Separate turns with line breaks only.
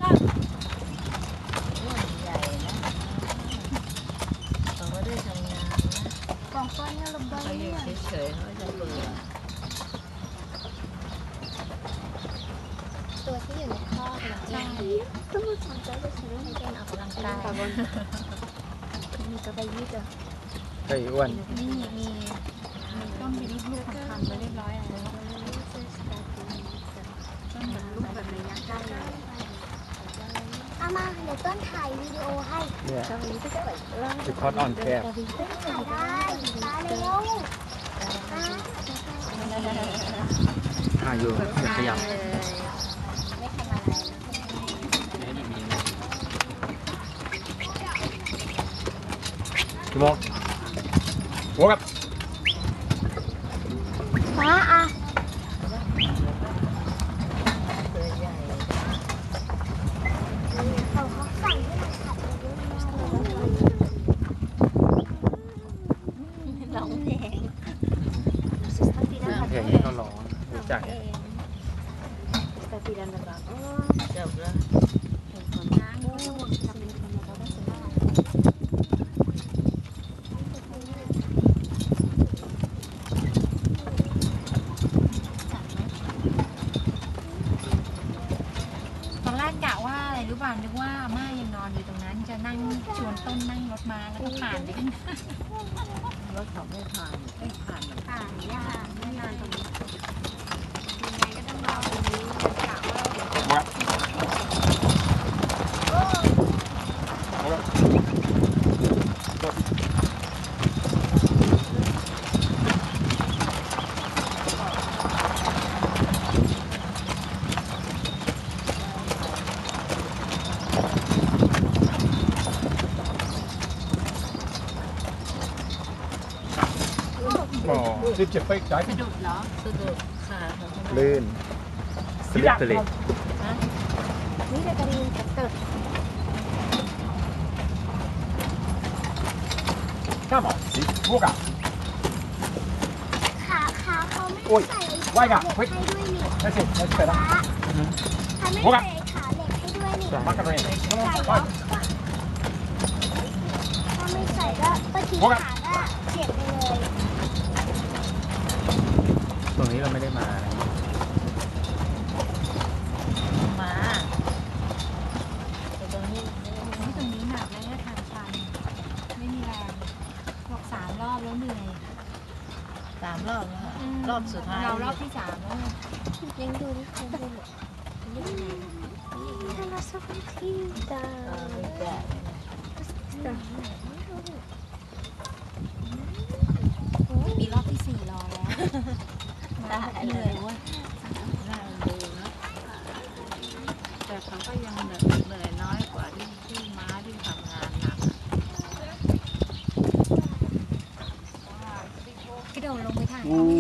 ใหญ่นะเขาก็ได้ทำงานนะกองก้อนเนี่ยระเบิดเขาอยู่เฉยๆเขาจะเบื่อ
ตัวที่อยู่ในท่อใช่ต้องมาสนใจไปซื้อให้เป็นออกกำลังกายมีจะไปยืดอ่ะ
ไก่อ้วน
นี่มีต้นมีลูกๆทำไปเรียบร้อยแล้วต้นแบบลูกแบบระยะใกล้เลยเอามาเดี๋ยวต้นถ่ายวิดีโอให้
เนี่ยคือคอสออนแคบ
ถ่ายได้มาเร็ว
ถ่ายอยู่อย่าขยับ
ไม่ทำอะไร
กี่โมงโว้กับ
ฟ้าอ่ะ
ตัวใหญ่
เขาสั่งให้เราขับรถร้องเพลง
เพลงนี้เขาร้องรู้จัก
จบแล้ว
ตอนแรกกะว่าอะไรรู้ป่ะนึกว่าอาม่ายังนอนอยู่ตรงนั้นจะนั่งชวนต้นนั่งรถมาแล้วก็ผ่านไปกัน
รถเขาไม่ผ่านหรอก
ผ่านยากไม่นานตรงนี้ยังไงก็ต้องรอตรงนี้กะว่าเดี๋ยว
โว้กับโว้กับ อ๋อสิบเจ็ดไปจ่าย
สะดุดเหรอ
สะดุดขาเขาทำไม
ลื่นสลิปสลิป
นี่จะกระดิ่งกระเติด
ข้ามอ่ะสิพวกอ่ะ
ขาเขาไม่
โอ้ย
ใส่
ไหว้กะ
ให้ด้วยนี่
ได้สิได้สิไปแล้ว
เขาไม่ใส่ขาเหล็กให้ด้วยนี่
มากันเลย
ใส่แล้วถ้าไม่ใส่ก็ทิ้งขาก็เจ็บไปเลย
ตรงนี้เราไม่ได้มานะ
มาแต่ตรงนี้
ตรงนี้หนักแล้วทางชันไม่มีแรงบอก3 รอบแล้วเหนื่อย
3 รอบแล้วค่ะรอบสุดท้าย
เรารอบที่3แล้ว
ยังดูนี่คุณดูเลยนี่เราสักทีตา
ไม่แก่
มีรอบที่4รอแล้วเหนื่อยเว้ย
น่าดูนะแต่เขาก็ยังเหนื่อยน้อยกว่าที่ม้าที่ทำงานหนัก
กระโดดลงไปถ่าย
อู้